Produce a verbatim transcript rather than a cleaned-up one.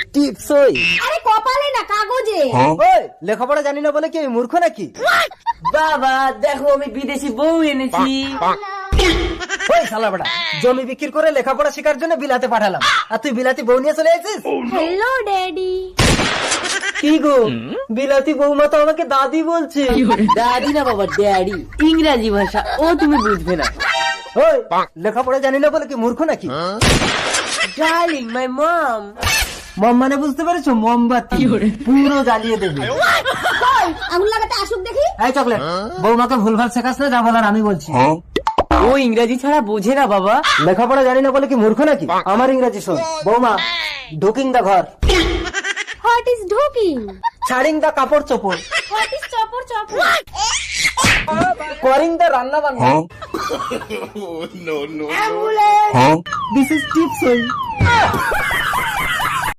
টিপসই। আরে কপালে না কাগজে। ওই লেখাপড়া জানি না বলে কি আমি মূর্খ নাকি? বাবা দেখো আমি বিদেশি বউ এনেছি। ওই শালা বেটা, জমি বিক্রি করে লেখাপড়া শেখার জন্য বিলাতে পাঠালাম, আর তুই বিলাতি বউ নিয়ে চলে এসেছিস? Hello daddy. কি গো, বিলাতি বৌমা তো আমাকে দাদি বলছে। দাদি না বাবা, ড্যাডি, ইংরাজি ভাষা, ও তুমি বুঝবে না। ওই লেখাপড়া জানি না বলে কি মূর্খ নাকি? ডার্লিং মাই মম। মম মানে বুঝতে পেরেছো? মোমবাতি পুরো জ্বালিয়ে দেবে। কই আঙুল লাগাতে আসুক দেখি। এই চকলেট, বৌমাকে ভুলভাল শেখাস না, যা বলার আমি বলছি। ও ইংরাজি ছাড়া বোঝে না বাবা। লেখাপড়া জানি না বলে কি মূর্খ নাকি? আমার ইংরাজি শোন। বৌমা, ঢুকিং দা ঘর, হোয়াট ইজ ঢুকিং? ছাড়িং দা কাপড় চোপড়, হোয়াট ইজ চপর চপর? করিং দা রান্না বান্না, অ্যাম্বুলেন্স। This is টিপসই।